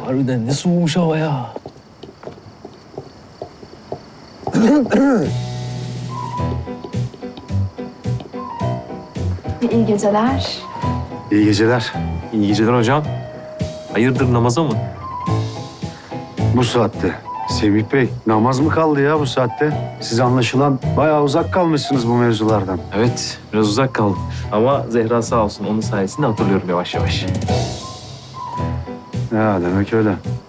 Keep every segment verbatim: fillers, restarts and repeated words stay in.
Harbiden ne soğumuş hava ya. İyi geceler. İyi geceler. İyi geceler hocam. Hayırdır, namaza mı? Bu saatte. Semih Bey, namaz mı kaldı ya bu saatte? Siz anlaşılan bayağı uzak kalmışsınız bu mevzulardan. Evet, biraz uzak kaldım. Ama Zehra sağ olsun, onun sayesinde hatırlıyorum yavaş yavaş. Ya demek öyle.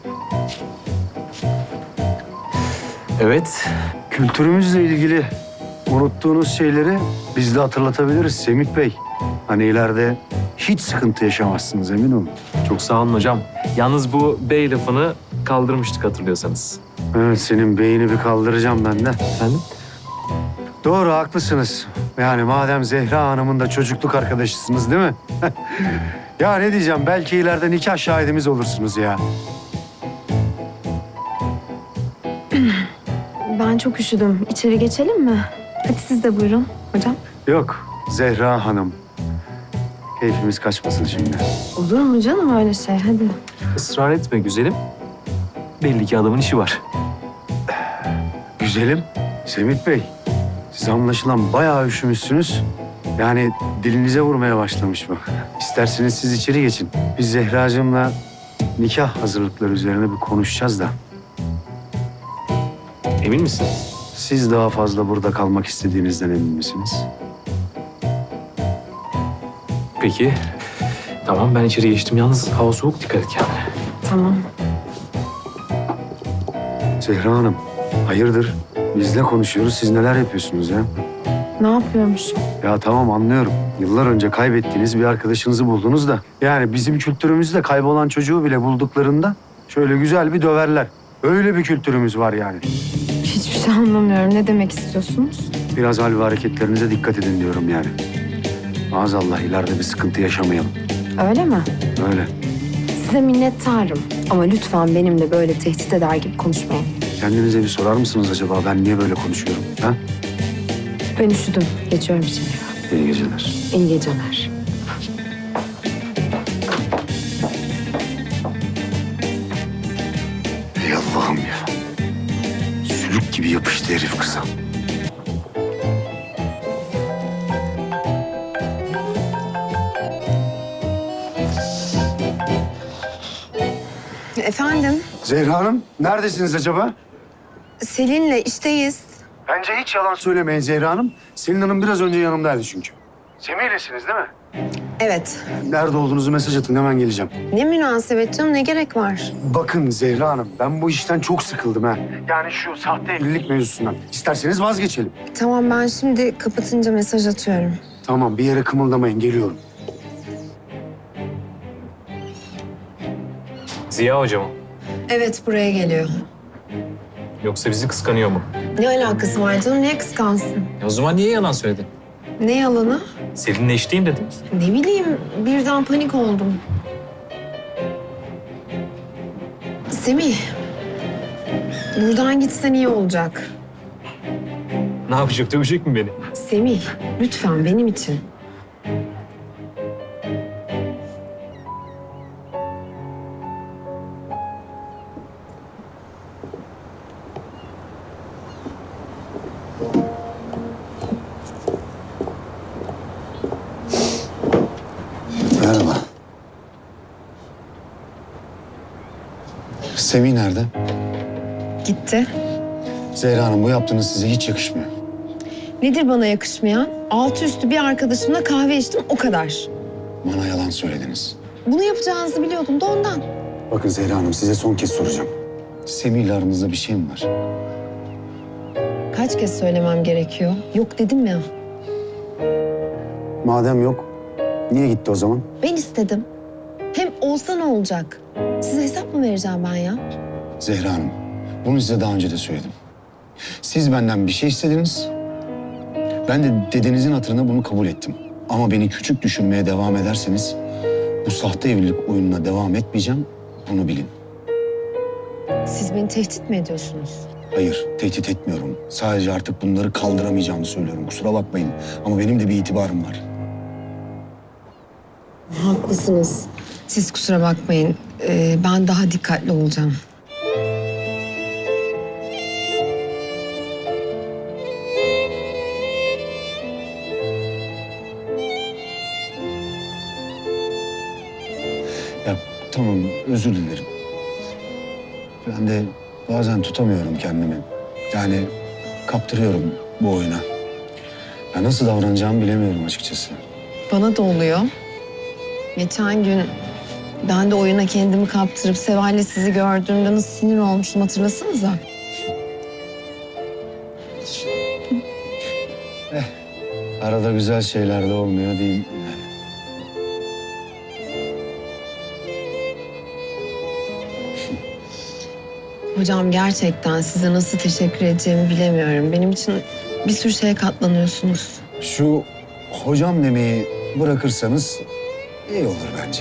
Evet. Kültürümüzle ilgili unuttuğunuz şeyleri biz de hatırlatabiliriz Semih Bey. Hani ileride hiç sıkıntı yaşamazsınız, emin olun. Çok sağ olun hocam. Yalnız bu bey lafını kaldırmıştık hatırlıyorsanız. Evet, senin beyni bir kaldıracağım ben de. Efendim? Doğru, haklısınız. Yani madem Zehra Hanım'ın da çocukluk arkadaşısınız değil mi? Ya ne diyeceğim, belki ileride nikah şahidimiz olursunuz ya. Ben çok üşüdüm. İçeri geçelim mi? Hadi siz de buyurun hocam. Yok, Zehra Hanım. Keyfimiz kaçmasın şimdi. Olur mu canım öyle şey? Hadi. Israr etme güzelim. Belli ki adamın işi var. Güzelim, Semih Bey. Siz anlaşılan bayağı üşümüşsünüz. Yani dilinize vurmaya başlamış bu. İsterseniz siz içeri geçin. Biz Zehracığımla nikah hazırlıkları üzerine bir konuşacağız da. Emin misin? Siz daha fazla burada kalmak istediğinizden emin misiniz? Peki. Tamam, ben içeri geçtim. Yalnız hava soğuk, dikkat et kendine. Tamam. Zehra Hanım, hayırdır? Bizle konuşuyoruz, siz neler yapıyorsunuz ya? Ne yapıyormuşum? Ya tamam, anlıyorum. Yıllar önce kaybettiğiniz bir arkadaşınızı buldunuz da. Yani bizim kültürümüzde kaybolan çocuğu bile bulduklarında şöyle güzel bir döverler. Öyle bir kültürümüz var yani. Hiçbir şey anlamıyorum. Ne demek istiyorsunuz? Biraz hal ve hareketlerinize dikkat edin diyorum yani. Maazallah ileride bir sıkıntı yaşamayalım. Öyle mi? Öyle. Size minnettarım. Ama lütfen benimle böyle tehdit eder gibi konuşmayın. Kendinize bir sorar mısınız acaba ben niye böyle konuşuyorum? Ha? Ben üşüdüm. Geçiyorum içeri. İyi geceler. İyi geceler. Ey Allah'ım ya. Sülük gibi yapıştı herif kıza. Efendim? Zehra Hanım, neredesiniz acaba? Selin'le işteyiz. Bence hiç yalan söylemeyin Zehra Hanım. Selin Hanım biraz önce yanımdaydı çünkü. Semih'lesiniz değil mi? Evet. Nerede olduğunuzu mesaj atın, hemen geleceğim. Ne münasebet canım, ne gerek var? Bakın Zehra Hanım, ben bu işten çok sıkıldım ha. Yani şu sahte evlilik mevzusundan. İsterseniz vazgeçelim. Tamam, ben şimdi kapatınca mesaj atıyorum. Tamam, bir yere kımıldamayın, geliyorum. Ziya hocam mı? Evet, buraya geliyor. Yoksa bizi kıskanıyor mu? Ne alakası var canım, niye kıskansın? E o zaman niye yalan söyledin? Ne yalanı? Selin'le eşliyim dedim. Ne bileyim, birden panik oldum. Semih, buradan gitsen iyi olacak. Ne yapacak, dövecek mi beni? Semih, lütfen benim için. Merhaba. Semih nerede? Gitti. Zehra Hanım, bu yaptığınız size hiç yakışmıyor. Nedir bana yakışmayan? Altı üstü bir arkadaşımla kahve içtim, o kadar. Bana yalan söylediniz. Bunu yapacağınızı biliyordum da ondan. Bakın Zehra Hanım, size son kez soracağım. Semih ile aranızda bir şey mi var? Kaç kez söylemem gerekiyor? Yok dedim ya. Madem yok, niye gitti o zaman? Ben istedim. Hem olsa ne olacak? Size hesap mı vereceğim ben ya? Zehra Hanım, bunu size daha önce de söyledim. Siz benden bir şey istediniz. Ben de dedenizin hatırına bunu kabul ettim. Ama beni küçük düşünmeye devam ederseniz bu sahte evlilik oyununa devam etmeyeceğim, bunu bilin. Siz beni tehdit mi ediyorsunuz? Hayır, tehdit etmiyorum. Sadece artık bunları kaldıramayacağımı söylüyorum. Kusura bakmayın ama benim de bir itibarım var. Haklısınız. Siz kusura bakmayın. Ee, ben daha dikkatli olacağım. Ya tamam, özür dilerim. Ben de bazen tutamıyorum kendimi. Yani kaptırıyorum bu oyuna. Ya nasıl davranacağımı bilemiyorum açıkçası. Bana da oluyor. Geçen gün ben de oyuna kendimi kaptırıp Seval'le sizi gördüğümde nasıl sinir olmuştum hatırlasanıza. Arada güzel şeyler de olmuyor değil yani. Hocam gerçekten size nasıl teşekkür edeceğimi bilemiyorum. Benim için bir sürü şeye katlanıyorsunuz. Şu hocam demeyi bırakırsanız iyi olur bence.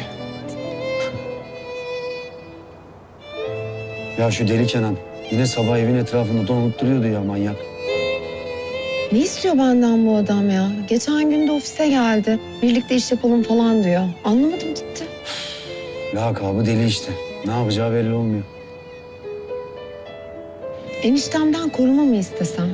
Ya şu deli Kenan yine sabah evin etrafında dolanıp duruyordu ya, manyak. Ne istiyor benden bu adam ya? Geçen gün de ofise geldi. Birlikte iş yapalım falan diyor. Anlamadım gitti. Lakabı deli işte. Ne yapacağı belli olmuyor. Eniştemden koruma mı istesem?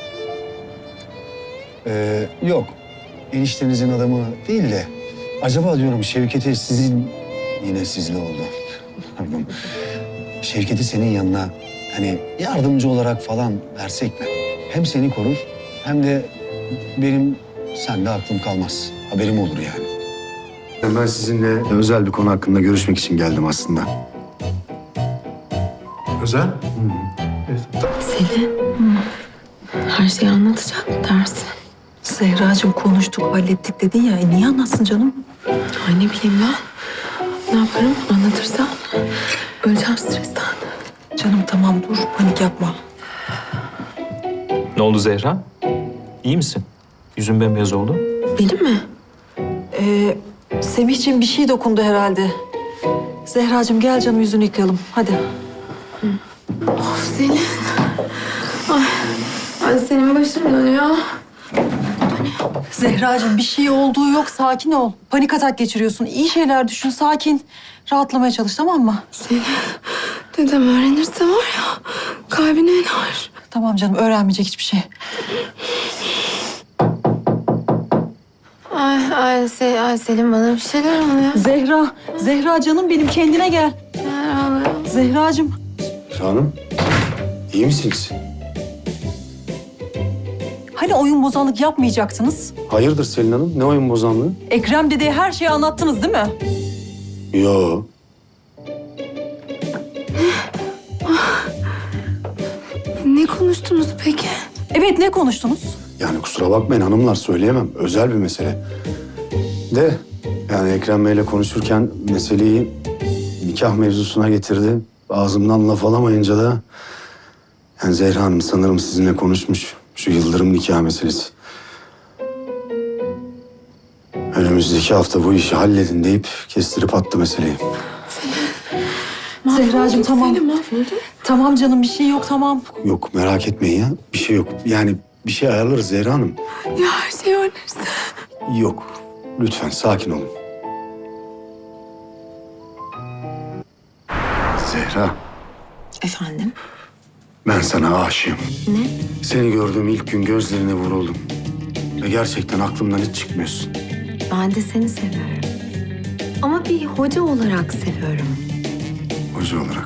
Ee, yok. Eniştenizin adamı değil de acaba diyorum Şevket'i sizin yine sizle oldu. Pardon. Şevket'i senin yanına hani yardımcı olarak falan versek mi? Hem seni korur hem de benim sende aklım kalmaz. Haberim olur yani. Ben sizinle özel bir konu hakkında görüşmek için geldim aslında. Özel? Selin, her şeyi anlatacak mı dersin? Zehracığım konuştuk, hallettik dedin ya. E niye anlatsın canım? Ay ne bileyim ben. Ne yaparım anlatırsam? Öleceğim stresten. Canım tamam dur, panik yapma. Ne oldu Zehra? İyi misin? Yüzün bembeyaz oldu. Benim mi? Ee, Semihciğim bir şey dokundu herhalde. Zehracığım gel canım yüzünü yıkayalım. Hadi. Of Selin. Ay, ay senin başın dönüyor. Zehracığım bir şey olduğu yok, sakin ol. Panik atak geçiriyorsun. İyi şeyler düşün, sakin. Rahatlamaya çalış, tamam mı? Selin, dedem öğrenirse var ya kalbine iner. Tamam canım, öğrenmeyecek hiçbir şey. Ay, ay, Sel ay Selin bana bir şeyler oluyor. Zehra, Zehra canım benim, kendine gel. Neler oluyor? Zehracığım. Hanım, iyi misiniz? Hani oyun bozanlık yapmayacaktınız? Hayırdır Selin Hanım? Ne oyun bozanlığı? Ekrem dedeye her şeyi anlattınız değil mi? Yo. Ne konuştunuz peki? Evet, ne konuştunuz? Yani kusura bakmayın hanımlar, söyleyemem. Özel bir mesele. De yani Ekrem Bey'le konuşurken meseleyi nikah mevzusuna getirdi. Ağzımdan laf alamayınca da... Yani Zehra Hanım sanırım sizinle konuşmuş. Şu Yıldırım nikah meselesi. Önümüzdeki hafta bu işi halledin deyip kestirip attı meseleyi. Zehracığım tamam. Tamam canım bir şey yok tamam. Yok merak etmeyin ya. Bir şey yok. Yani bir şey ayarlarız Zehra Hanım. Ya her şey öğrenirse? Yok. Lütfen sakin olun. Zehra, Efendim? ben sana aşığım. Ne? Seni gördüğüm ilk gün gözlerine vuruldum. Ve gerçekten aklımdan hiç çıkmıyorsun. Ben de seni seviyorum. Ama bir hoca olarak seviyorum. Hoca olarak.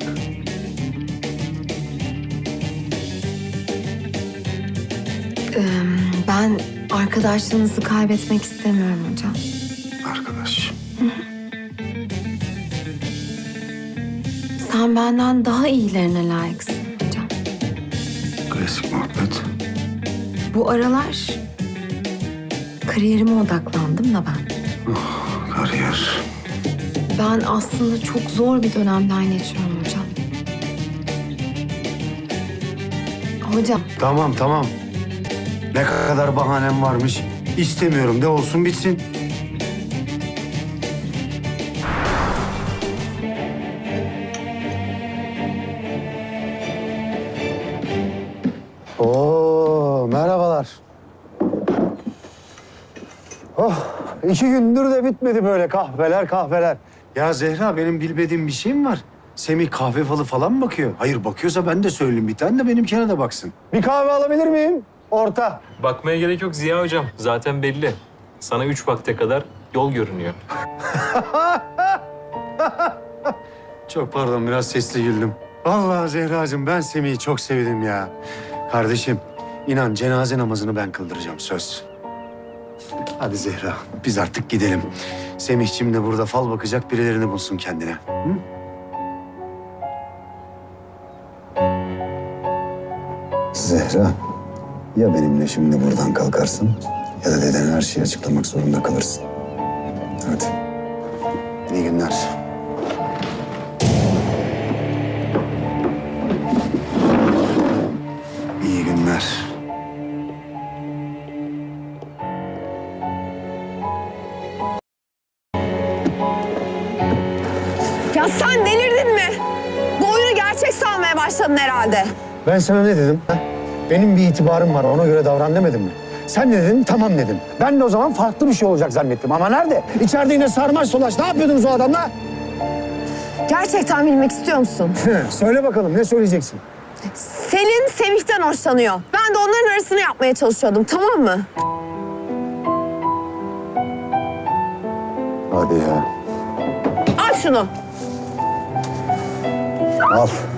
Ee, ben arkadaşlığınızı kaybetmek istemiyorum hocam. Arkadaş. Sen benden daha iyilerine layıksın hocam. Klasik muhabbet. Bu aralar kariyerime odaklandım da ben. Kariyer. Ben aslında çok zor bir dönemden geçiyorum hocam. Hocam, Tamam tamam. Ne kadar bahanem varmış. İstemiyorum de olsun bitsin. Oo, merhabalar. Oh, iki gündür de bitmedi böyle kahveler kahveler. Ya Zehra benim bilmediğim bir şey mi var? Semih kahve falı falan mı bakıyor? Hayır bakıyorsa ben de söyleyeyim bir tane de benimkine de baksın. Bir kahve alabilir miyim? Orta. Bakmaya gerek yok Ziya hocam. Zaten belli. Sana üç vakte kadar yol görünüyor. Çok pardon biraz sesli güldüm. Vallahi Zehracığım ben Semih'i çok sevdim ya. Kardeşim inan cenaze namazını ben kıldıracağım söz. Hadi Zehra biz artık gidelim. Semih'cim de burada fal bakacak birilerini bulsun kendine. Hı? Zehra ya benimle şimdi buradan kalkarsın ya da deden her şeyi açıklamak zorunda kalırsın. Hadi. İyi günler. İyi günler. Ya sen delirdin mi? Bu oyunu gerçek sanmaya başladın herhalde. Ben sana ne dedim? ha? Benim bir itibarım var ona göre davran demedim mi? Sen ne dedin? Tamam dedim. Ben de o zaman farklı bir şey olacak zannettim. Ama nerede? İçeride yine sarmaş dolaş. Ne yapıyordunuz o adamla? Gerçekten bilmek istiyor musun? Söyle bakalım ne söyleyeceksin? Selin Semih'ten hoşlanıyor. Ben de onların arasını yapmaya çalışıyordum, tamam mı? Hadi ya. Al şunu. Al.